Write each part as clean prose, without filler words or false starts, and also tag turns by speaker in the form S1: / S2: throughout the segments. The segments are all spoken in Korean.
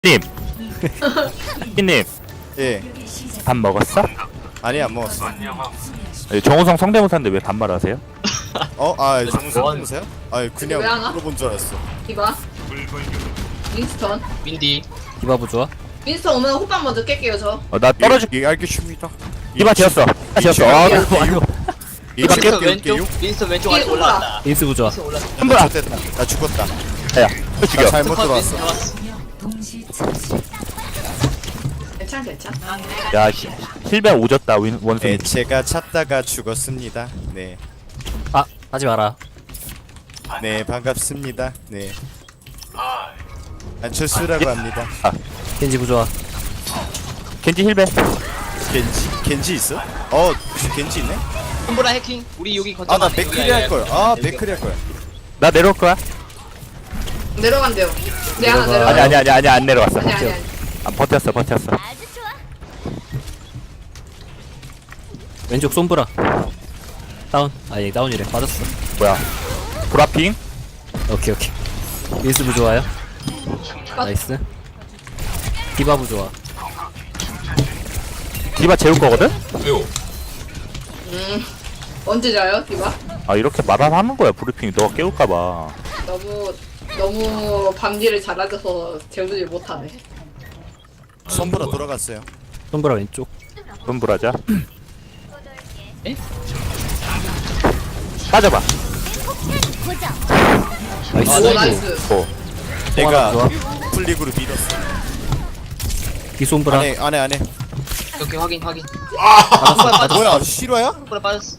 S1: 님, 님,
S2: 예.
S1: 밥 먹었어?
S2: 아니 안 먹었어.
S1: 정우성 성대모사인데 왜 반말하세요?
S2: 정수 보세요? 그냥
S3: 왜 안 와?
S2: 물어본 줄 알았어.
S3: 디바 윈스턴
S4: 윈디
S5: 디바부 좋아?
S3: 윈스턴 오면 호빵 먼저 깰게요 저.
S1: 나 떨어질.
S2: 예, 알겠습니다.
S1: 이봐 지었어. 지었어.
S5: 아이고
S2: 이거
S4: 윈스턴
S2: 깰게요.
S4: 왼쪽 윈스턴 왼쪽 아래
S3: 뒤에
S4: 올라왔다
S5: 인스부 좋아.
S4: 윈스턴 올라왔다
S1: 손보라.
S2: 됐다. 나 죽었다.
S1: 야, 또 죽여.
S2: 나 잘못
S4: 컷
S2: 들어왔어.
S4: 윈스턴 왔어
S3: 괜찮.
S1: 야, 힐벤 오졌다 원숭이.
S2: 네, 제가 찾다가 죽었습니다. 네,
S5: 아 하지 마라.
S2: 네 반갑습니다. 네. 안철수라고 합니다.
S5: 겐지부 좋아.
S1: 겐지 힐벤.
S2: 겐지 있어? 겐지 있네?
S4: 콤보라 해킹 우리 여기 거점
S2: 나
S4: 안에
S2: 맥크리
S4: 여기
S2: 할 걸.
S4: 여기.
S2: 맥크리 할 거야.
S1: 나 내려올 거야?
S3: 내려간대요. 내 하나
S5: 내려가.
S3: 내려가.
S1: 아니 안 내려왔어.
S3: 아니.
S1: 버텼어.
S5: 왼쪽 솜브라. 다운. 아얘 다운이래. 맞았어.
S1: 뭐야? 브라핑?
S5: 오케이. 인스부 좋아요. 나이스. 디바부 좋아.
S1: 디바 재울 거거든?
S3: 언제 자요 디바?
S1: 아 이렇게 말하는 거야 브리핑. 너가 깨울까봐.
S3: 너무 밤일을 잘하셔서 재우지 못하네.
S2: 손보라 돌아갔어요.
S5: 솜브라 왼쪽.
S1: 손브라자.
S4: 에?
S1: 빠져봐.
S5: 나이스.
S3: 오 나이스.
S1: 오.
S2: 내가
S5: 좋아.
S2: 플릭으로 밀었어.
S5: 디솜브라.
S2: 안에.
S4: 오케이 확인
S2: 뭐야? 실화야?
S4: 콤보라 빠졌어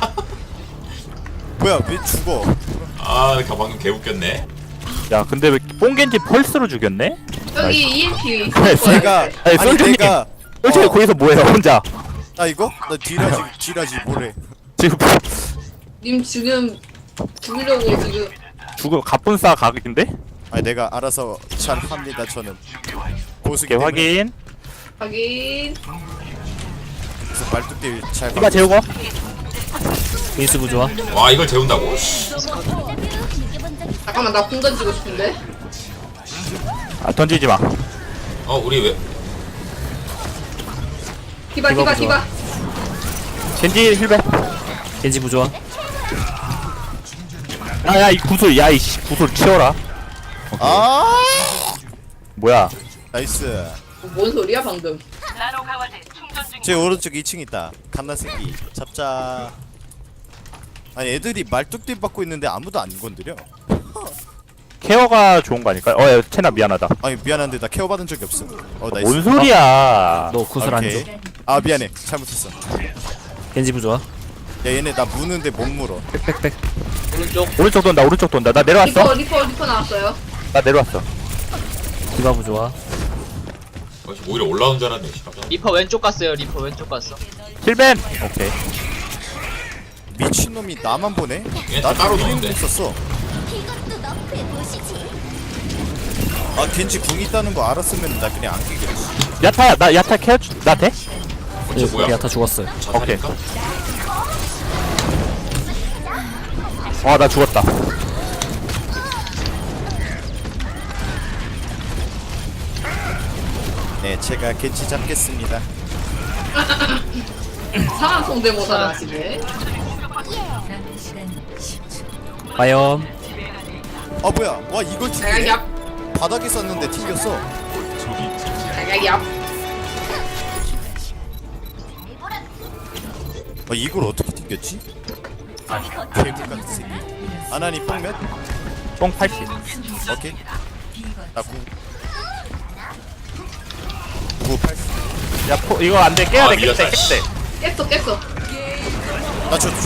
S2: 뭐야? 왜 죽어?
S6: 아, 방금 개 웃겼네.
S1: 야 근데 왜 뽕겐지 펄스로 죽였네?
S3: 여기 EMP 있을
S1: 네,
S3: 거예요.
S2: 내가
S1: 아니, 솔직히-
S2: 내가
S1: 솔직히 거기서 뭐해요 혼자?
S2: 나 이거? 나 딜하지 뭐래?
S1: 지금
S3: 님 지금 죽으려고 지금
S1: 죽음 갑분싸 각인데?
S2: 내가 알아서 잘 합니다. 저는 고수기
S1: 오케이
S2: 때문에.
S1: 확인.
S3: 확인.
S2: 그래서 말뚝대 잘.
S1: 디바 재우고.
S5: 인스부 좋아.
S6: 와, 이걸 재운다고?
S3: 잠깐만 나 공 던지고 싶은데.
S1: 아 던지지 마.
S6: 우리 왜?
S3: 디바.
S1: 겐지 힐벤.
S5: 겐지부 좋아.
S1: 야야 이 구슬 야이씨 구슬 치워라.
S2: 아
S1: 뭐야?
S2: 나이스.
S3: 뭔 소리야 방금?
S2: 제 오른쪽 2층 있다. 갓나새끼 잡자. 아니 애들이 말뚝대 받고 있는데 아무도 안 건드려.
S1: 케어가 좋은 거 아닐까요? 야 채나 미안하다.
S2: 아니 미안한데 나 케어 받은 적이 없어. 나이스.
S1: 뭔 소리야?
S5: 너 구슬 안
S2: 오케이.
S5: 줘.
S2: 미안해. 잘못했어.
S5: 겐지부 좋아.
S2: 야 얘네 나 무는데 못 물어.
S5: 빽빽빽.
S4: 오른쪽
S1: 오른쪽 돈다. 나 내려왔어.
S3: 리퍼 나왔어요.
S1: 나 내려왔어.
S5: 디바부 좋아.
S6: 오히려 올라온 줄 알았네. 깜짝 놀랐네.
S4: 리퍼 왼쪽 갔어요 리퍼 왼쪽 갔어
S1: 힐벤. 오케이.
S2: 미친놈이 나만 보네?
S6: 얘 다 따로 노는데.
S2: 있었어. 겐지 궁 있다는 거 알았으면 나 그냥 안 끼겠지.
S1: 야타야 나 야타 케어 나 돼?
S6: 뭐야?
S5: 야타 죽었어요.
S1: 오케이.
S6: 자살일까?
S1: 나 죽었다.
S2: 네, 제가 겐지 잡겠습니다.
S3: 상황 성대모사 하시네.
S5: 과연
S2: 뭐야? 와 이걸 튕기네?
S3: 야야야.
S2: 바닥에 쌌는데 튕겼어.
S3: 야야야.
S2: 이걸 어떻게 튕겼지? 괴물 같은 새끼. 아나니 뽕 몇?
S1: 뽕 80.
S2: 오케이. 나 9. 9, 80.
S1: 야 이거 안돼 깨야 돼
S6: 밀렸다,
S1: 깨야
S6: 씨.
S1: 돼.
S3: 깼어.
S2: 나 줘.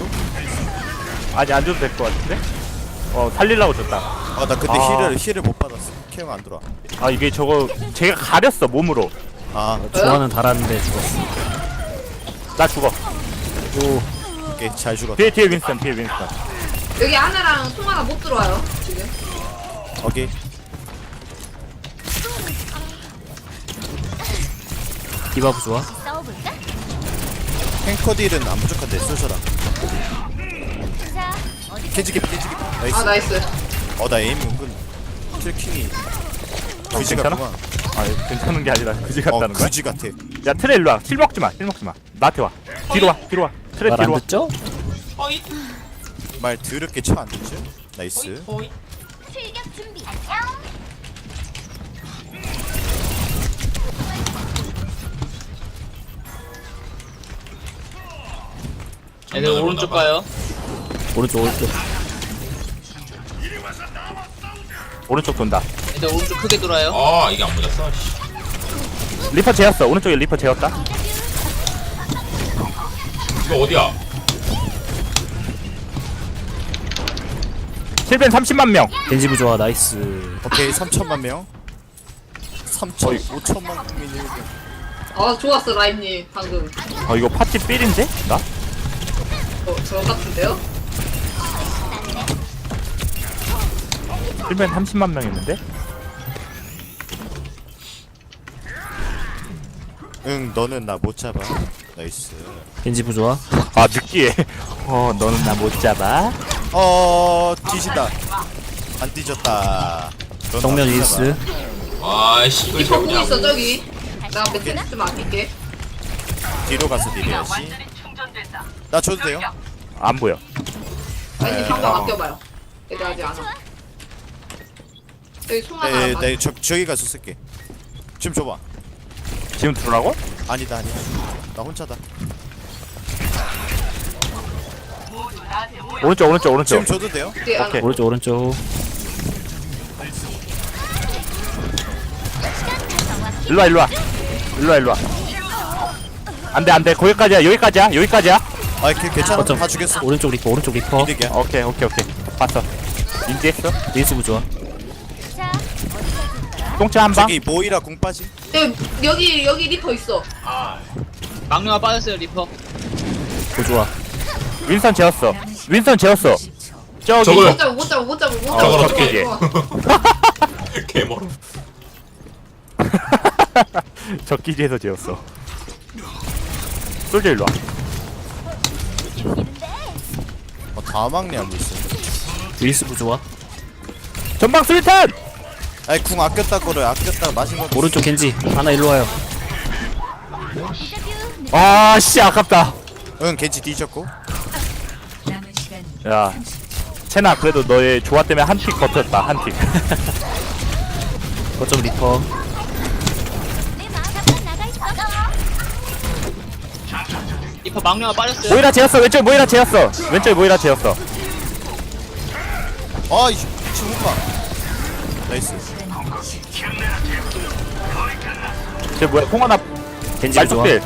S1: 아니 안 줘도 될 것 같은데? 살리려고 줬다.
S2: 나 근데
S1: 아.
S2: 힐을 못 받았어. 케어가 안 들어와.
S1: 이게 저거 제가 가렸어 몸으로.
S5: 중화는 달았는데 죽었어.
S1: 나 죽어.
S2: 오케이 잘 죽었다.
S1: 뒤에 윈스턴.
S3: 여기 하나랑 통화가 못 들어와요 지금.
S2: 오케이.
S5: 디바부 좋아.
S2: 탱커 딜은 안 부족한데 쏘셔라. 겐지 개피. 나이스.
S3: 나이스.
S2: 나 에임 은근 트래킹이 그지
S1: 괜찮아?
S2: 같구만.
S1: 아 괜찮은 게 아니라 그지 같다는 거야?
S2: 그지 같아.
S1: 야 트레 일로 와. 힐 먹지 마. 힐 먹지 마. 나한테 와. 뒤로 와. 뒤로 와. 트레
S5: 말
S1: 뒤로
S5: 안
S1: 와.
S5: 듣죠?
S2: 말 더럽게 쳐 안 듣지? 나이스.
S7: 출격 준비.
S4: 애들 오른쪽 가요.
S5: 오른쪽 오른쪽.
S1: 오른쪽 돈다.
S4: 애들 오른쪽 크게 돌아요.
S6: 아 이게 안 맞았어. 씨.
S1: 리퍼 재웠어. 오른쪽에 리퍼 재웠다.
S6: 이거 어디야?
S1: 실벤 30만 명.
S5: 겐지 부조화 나이스.
S2: 오케이 3천만 명. 3천 5천만 국민이.
S3: 아 좋았어 라임님 방금.
S1: 이거 파티 삘인데? 나?
S3: 저 같은데요?
S1: 실벤 30만 명 있는데?
S2: 응 너는 나 못 잡아. 나이스.
S5: 겐지 부조화.
S1: 아 느끼해. 너는 나 못 잡아.
S2: 뒤진다. 안 뒤졌다. 넌
S5: 정면
S2: 나못
S5: 윌스.
S6: 아이씨 이걸
S3: 리퍼 공 있어
S6: 잡냐고.
S3: 저기. 나 매트릭스 좀 아낄게.
S2: 잡아. 뒤로 가서 딜해야지. 나 줘도 돼요?
S1: 안 보여.
S3: 라임님 방금 아껴봐요. 애들 아직 안 와. 여기 송 하나.
S2: 네, 저기 가서 쓸게. 지금 줘봐.
S1: 지금 들어라고?
S2: 아니다. 나 혼자다.
S1: 오른쪽.
S2: 지금 줘도 돼요?
S3: 뒤에 하나.
S1: 오케이.
S5: 오른쪽 오른쪽.
S1: 일로 와. 안돼. 여기까지야.
S2: 아, 괜찮아.
S5: 거점.
S2: 다 죽였어.
S5: 오른쪽 리퍼 오른쪽 리퍼.
S2: 이득이야.
S1: 오케이. 봤어. 인지했어?
S5: 윌스 부조화.
S7: 자,
S1: 똥차 한 방.
S2: 저기 모이라 궁 빠지.
S3: 여기 리퍼 있어.
S4: 막루가 빠졌어요 리퍼.
S5: 부조화.
S1: 윈선 재웠어. 저기.
S6: 저거요.
S3: 못 잡아.
S6: 저걸 어떻게
S3: 좋아.
S6: 개멀어.
S1: 적기지에서 재웠어. 솔저 일로 와.
S2: 다 막내 하고 있어.
S5: 윌스 부조화.
S1: 전방 수리탄.
S2: 아니 궁 아꼈다고를 아꼈다가 마신 거.
S5: 오른쪽 겐지. 하나 일로 와요.
S1: 아씨 아깝다.
S2: 응 겐지 뒤졌고.
S1: 야 채나 그래도 너의 조화 때문에 한 틱 버텼다. 한 틱.
S5: 거점 리퍼.
S7: 내 마음 앞에 나가 있어.
S4: 리퍼 막루가 빠졌어요.
S1: 모이라 재웠어. 왼쪽 모이라 재웠어.
S2: 아 지금 못 봐. 나이스.
S1: 쟤 뭐야? 홍하나
S5: 겐지 부조화.
S1: 말뚝필.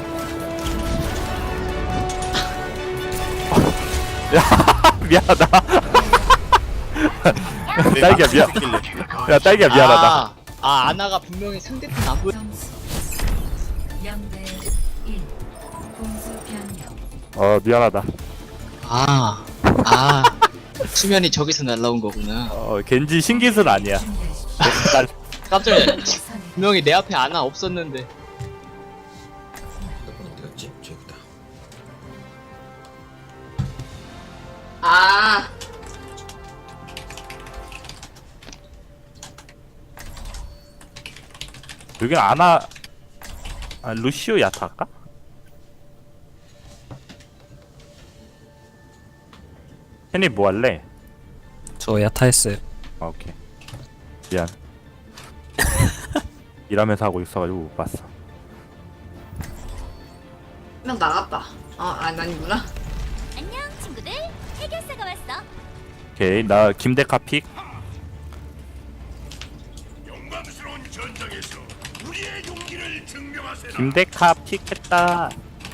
S1: 야 미안하다. 딸기야 미안. 야 딸기야 미안하다.
S4: 아나가 분명히 상대편 안 보여.
S1: 미안하다.
S4: 수면이 저기서 날라온 거구나.
S1: 겐지 신기술 아니야. 날
S4: 깜짝 놀랐지. 분명히 내 앞에 아나 없었는데.
S6: 어디 갔지? 저기다.
S3: 아.
S1: 여긴 아나 루시오 야타 할까? 혜니 뭐 할래?
S5: 저 야타 했어요.
S1: 오케이. 미안. 일하면서 하고 있어가지고 못 봤어.
S3: 한 명 나갔다. 아니구나.
S7: 안녕 친구들. 해결사가 왔어.
S1: 오케이 나 김데카 픽. 김데카 픽했다.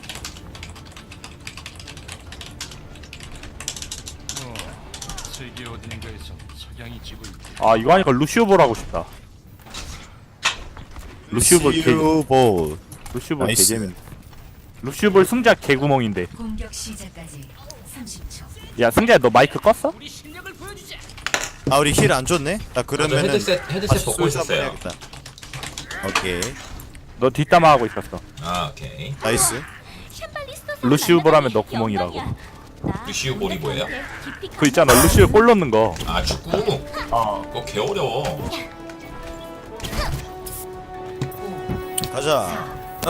S8: 세계 어딘가에서 석양이 지고 있다.
S1: 아 이거 하니까 루시오볼 하고 싶다. 루시오볼
S2: 볼.
S1: 루시오볼
S2: 나이스.
S1: 개재밌네. 루시오볼 승자 개구멍인데.
S9: 공격 시작까지 30초.
S1: 야 승자야 너 마이크 껐어?
S2: 아 우리 힐 안 줬네. 나 그러면은
S6: 헤드셋
S2: 다시
S6: 벗고
S2: 솔저 한번
S6: 있었어요.
S2: 해야겠다. 오케이
S1: 너 뒷담화 하고 있었어.
S6: 오케이.
S2: 나이스.
S1: 루시오볼 하면 너 구멍이라고.
S6: 루시우 볼이 뭐예요?
S1: 그 있잖아 루시오 골 넣는 거.
S6: 축구? 그거 개 어려워.
S2: 가자.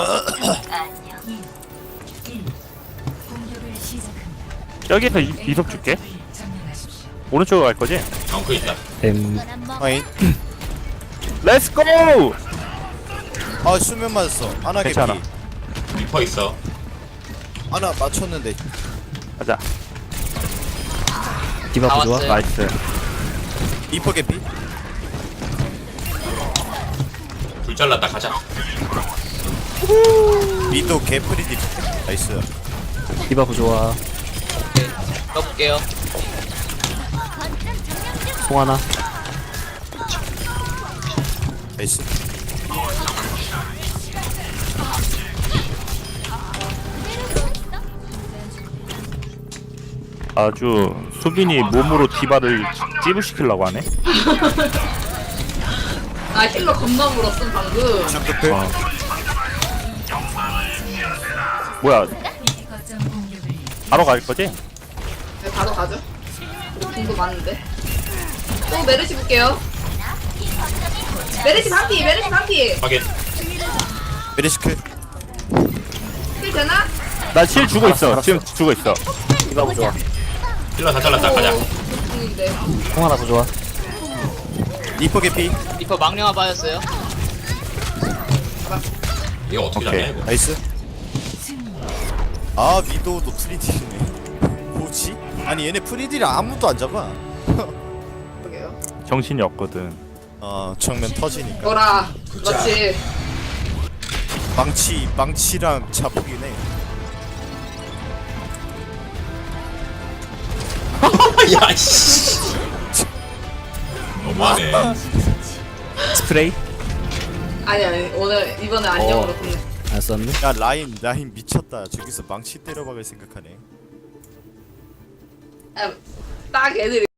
S9: 1. 공격을 시작합니다.
S1: 여기서 이속 줄게.
S9: 점령하십시오.
S1: 오른쪽으로 갈 거지?
S6: 엉크 있다.
S7: 넌안 먹어.
S2: 아니,
S1: 렛츠 고!
S2: 아 수면 맞았어. 하나 개피.
S1: 괜찮아.
S6: 리퍼 있어.
S2: 하나 맞췄는데.
S1: 가자.
S5: 디바
S4: 다
S5: 부좋아.
S4: 왔어요.
S1: 나이스.
S2: 리퍼 개피.
S6: 불 잘랐다. 가자.
S2: 위도 개프리디. 나이스.
S5: 디바 부좋아.
S4: 오케이. 넣어볼게요.
S7: 거점 점령 중.
S5: 송 하나.
S2: 나이스.
S1: 아주 수빈이 몸으로 디바를 찌부시키려고 하네.
S3: 아 힐러 겁나 물었음 방금.
S2: 중급해.
S1: 어. 뭐야?
S9: 거점 공격을
S1: 바로 갈 거지?
S3: 네, 바로 가죠. 공도 많은데. 또 메르시 볼게요. 메르시 반피, 메르시 반피.
S6: 확인.
S2: 메리시크.
S3: 힐 되나?
S1: 나 실 주고 있어. 지금 주고 있어. 디바 부좋아.
S6: 힐러 다 잘랐다. 가자.
S3: 중인데.
S5: 송 하나 부좋아.
S2: 리퍼 개피.
S4: 리퍼 망령아 빠졌어요.
S6: 이거 어떻게
S1: 오케이.
S6: 잡냐 이거.
S2: 나이스. 아 위도도 프리딜이네. 뭐지? 아니 얘네 프리딜 아무도 안 잡아.
S3: 그러게요.
S1: 정신이 없거든.
S2: 정면 터지니까.
S3: 너라. 그렇지.
S2: 망치랑 자폭이네.
S6: 야 씨. 너무하네.
S5: 스프레이.
S3: 아니 오늘 이번에 안녕으로 끝내.
S5: 안 썼네.
S2: 야 라인 미쳤다. 저기서 망치 때려박을 생각하네.
S3: 딱 애들이.